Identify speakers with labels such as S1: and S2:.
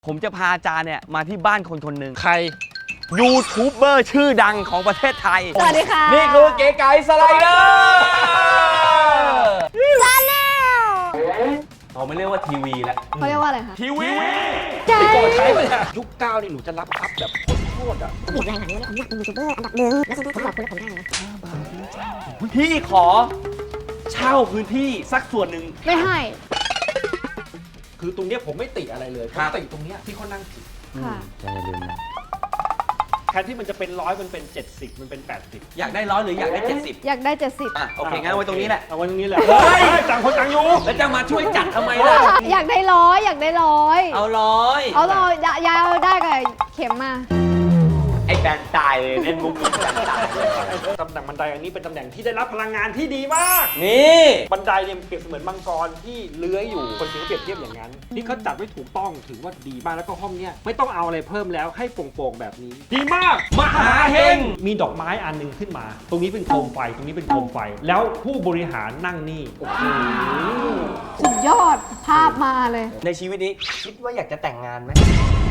S1: ผมจะพาอาจารย์เนี่ยมาที่บ้านคนคนหนึ่ง
S2: ใคร
S1: ยูทูบเบอร์ชื่อดังของประเทศไทย
S3: สวัสดีค่ะ
S1: นี่คือเก๋ไก่สไลเดอร์
S3: ชาแนล
S1: เราไม่เรียกว่าทีวีแล้ว
S3: เขาเรียกว่าอะไรคะ
S1: ทีวี
S3: ใช่
S2: ก่อนใช้ไปเนี่ยยุค9นี่หนูจะรับอัพแบบโคตรๆอ่ะ
S4: อีกรายหลังเนี่ยผมอยากเป็นยูทูบเบอร์อันดับหนึ่งแล้วฉันผมบอกคุณแล้วผมได้นะ
S1: พี่ขอเช่าพื้นที่สักส่วนหนึ่ง
S3: ไม่ให้
S2: คือตรงเนี้ยผมไม่ติอะไรเลยผ
S1: ครั
S2: ม
S1: บ
S2: ติตรงเนี้ยที่เขานั่งผิด
S3: ค่ะ
S1: อย่าลืมนะ
S2: แทนที่มันจะเป็น100มันเป็น70มันเป็น80
S1: อยากได้100หรืออยากได้ 70
S3: อยากได้ 70
S1: อ่ะโอเคงั้นเอาไว้ตรงนี้แหละ
S2: เอาไว้ตรงนี้แหละ
S1: เฮ้ย
S2: ต่างคนต่างอยู่
S1: แล้วจะมาช่วยจัดทำไมล่ะ
S3: อยากได้ร้อยอยากได้ร้อย
S1: เอา100
S3: เอาร้อยยายเอาได้กับเข็มมา
S1: ไอ้แบงค์ตายเลยเล่นมุกนี้แบงค์ตายเลย
S2: ตำแหน่งบันไดอันนี้เป็นตำแหน่งที่ได้รับพลังงานที่ดีมาก
S1: นี่
S2: บันไดเนี่ยเปรียบเสมือนมังกรที่เลื้อยอยู่คนถึงเปรียบเทียบอย่างนั้น นี่เขาจัดไว้ถูกต้องถือว่าดีมากแล้วก็ห้องเนี้ยไม่ต้องเอาอะไรเพิ่มแล้วให้โปร่งๆแบบนี้ ดีมากมหาเฮงมีดอกไม้อันหนึงขึ้นมา ตรงนี้เป็นโคมไฟตรงนี้เป็นโคมไฟ แล้วผู้บริหารนั่งนี่โอ้โห
S3: สุดยอดภาพมาเลย
S1: ในชีวิตนี้คิดว่าอยากจะแต่งงานไหม